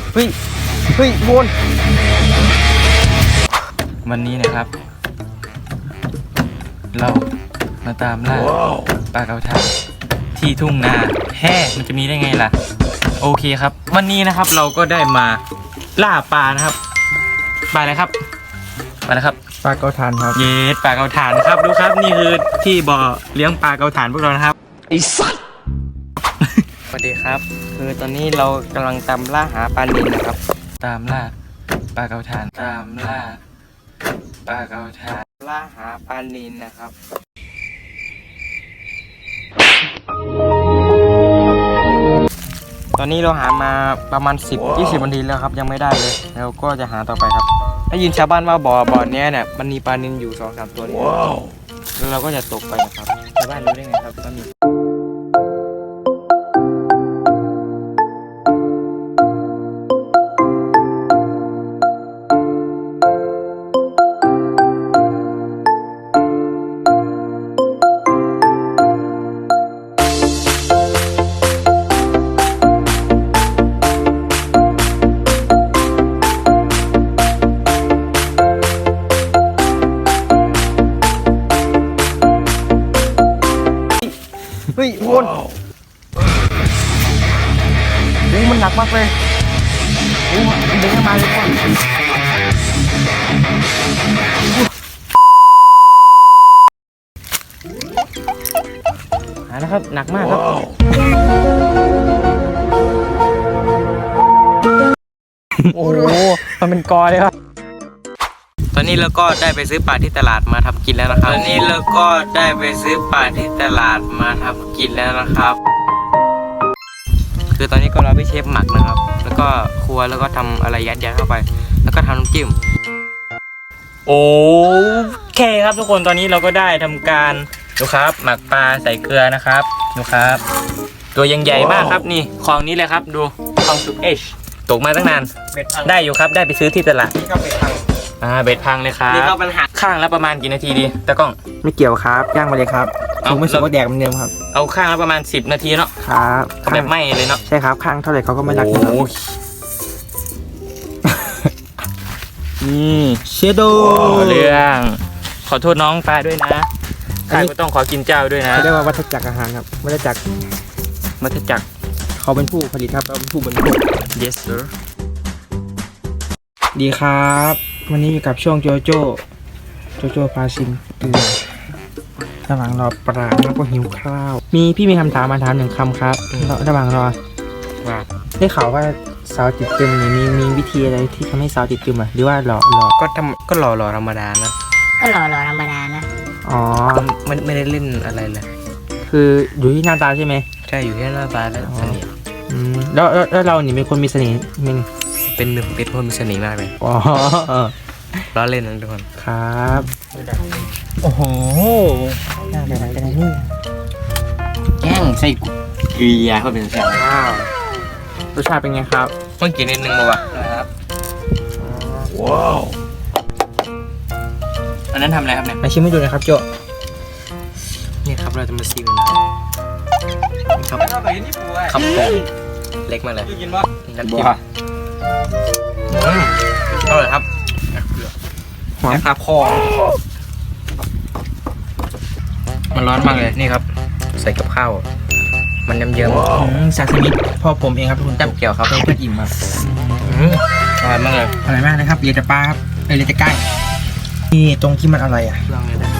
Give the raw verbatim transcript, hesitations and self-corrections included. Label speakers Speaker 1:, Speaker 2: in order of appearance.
Speaker 1: เฮ้ยเฮ้ยวน วันนี้นะครับ เรามาตามล่าปลาเก๋าทานที่ทุ่งนาแฮ่มันจะมีได้ไงล่ะโอเคครับวันนี้นะครับเราก็ได้มาล่าปลานะครับปลาอะไรครับปลาอะไรครับปลาเก๋าทานครับเย็ดปลาเก๋าทานครับดูครับนี่คือที่บ่อเลี้ยงปลาเก๋าทานพวกเรานะครับไอ้สัตว์ สวัสดีครับคือตอนนี้เรากำลังตามล่าหาปลานิลนะครับตามล่าปลาเก๋าทานตามล่าปลาเก๋าทานล่าหาปลานิลนะครับตอนนี้เราหามาประมาณสิบ ยี่สิบนาทีแล้วครับยังไม่ได้เลยเราก็จะหาต่อไปครับได้ยินชาวบ้านว่าบ่อบ่อนี้เนี่ยมันมีปลานิลอยู่ สองสาม ตัวนี่แล้วเราก็จะตกไปนะครับชาวบ้านรู้ได้ไงครับว่ามีเฮ้ยวนโอ้มันหนักมากเลยโอ้มันเด้งมาเลยก่อนหานะครับหนักมากครับโอ้โหมันเป็นกอเลยครับตอนนี้เราก็ได้ไปซื้อปลาที่ตลาดมาทำกินแล้วนะครับตอนนี้เราก็ได้ไปซื้อปลาที่ตลาดมาทำกินแล้วนะครับคือตอนนี้ก็รอพี่เชฟหมักนะครับแล้วก็ครัวแล้วก็ทำอะไรยัดยัดเข้าไปแล้วก็ทำน้ำจิ้มโอเคครับทุกคนตอนนี้เราก็ได้ทำการดูครับหมักปลาใส่เกลือนะครับดูครับตัวยังใหญ่มากครับนี่คลองนี้เลยครับดูคลองสุกเอชตกมาตั้งนานได้อยู่ครับได้ไปซื้อที่ตลาดนี่ก็เป็นทางอ่าเบ็ดพังเลยครับนี่ก็ปัญหาข้างละประมาณกี่นาทีดีตะก้องไม่เกี่ยวครับย่างไปเลยครับผมไม่สุกก็แดกเหมือนเดิมครับเอาข้างละประมาณสิบนาทีเนาะครับแบบไหม้เลยเนาะใช่ครับข้างเท่าไหร่เขาก็ไม่รักกันนี่เชโดเรื่องขอโทษน้องปลาด้วยนะข้าก็ต้องขอกินเจ้าด้วยนะเขาเรียกว่าวัฏจักรอาหารครับวัฏจักรวัฏจักรเขาเป็นผู้ผลิตครับเราเป็นผู้บริโภค yes sir ดีครับวันนี้อยู่กับช่วงโจโจ้โจโจ้พาชิมเกลือระหว่างรอปลาแล้วก็หิวข้าวมีพี่มีคำถามมาถามหนึ่งคำครับระหว่างรอว่าได้ข่าวว่าสาวติดตึมเนี่ยมีมีวิธีอะไรที่ทำให้สาวติดตึมอ่ะหรือว่าหล่อหล่อก็ทำก็หล่อหล่อธรรมดานะ
Speaker 2: ก็หล่อหล่อธรรมดานะ
Speaker 1: อ๋อไม่ไม่ได้เล่นอะไรเลยคืออยู่ที่หน้าตาใช่ไหมใช่อยู่ที่หน้าตาและเสน่ห์อืมแล้วแล้วเราเนี่ยเป็นคนมีเสน่ห์มั้ยเป็นเป็นคนมีเสน่ห์มากเลยอ๋อล้อเล่นนะทุกคนครับโอ้โหน่าจะอะไรกันนี่แกงใส่เกลือเขาเป็นแซ่บว้าวรสชาติเป็นไงครับต้องกินนิดนึงป่ะนะครับว้าวอันนั้นทำอะไรครับเนี่ยมาชิมให้ดูนะครับโจนี่ครับเราจะมาซิมนะครับครับโป่งเล็กมากเลยน้ำจิ้มอร่อยครับหอมครับคอมันร้อนมากเลยนี่ครับใส่กับข้าวมันเยิ้มๆซาซิมิพ่อผมเองครับทุกคนจับเกี่ยวครับเพื่ออิ่มครับอร่อยมากเลยอร่อยมากนะครับเรียจะปลาครับเรียจะใกล้นี่ตรงที่มันอะไรอ่ะลองเลยนะ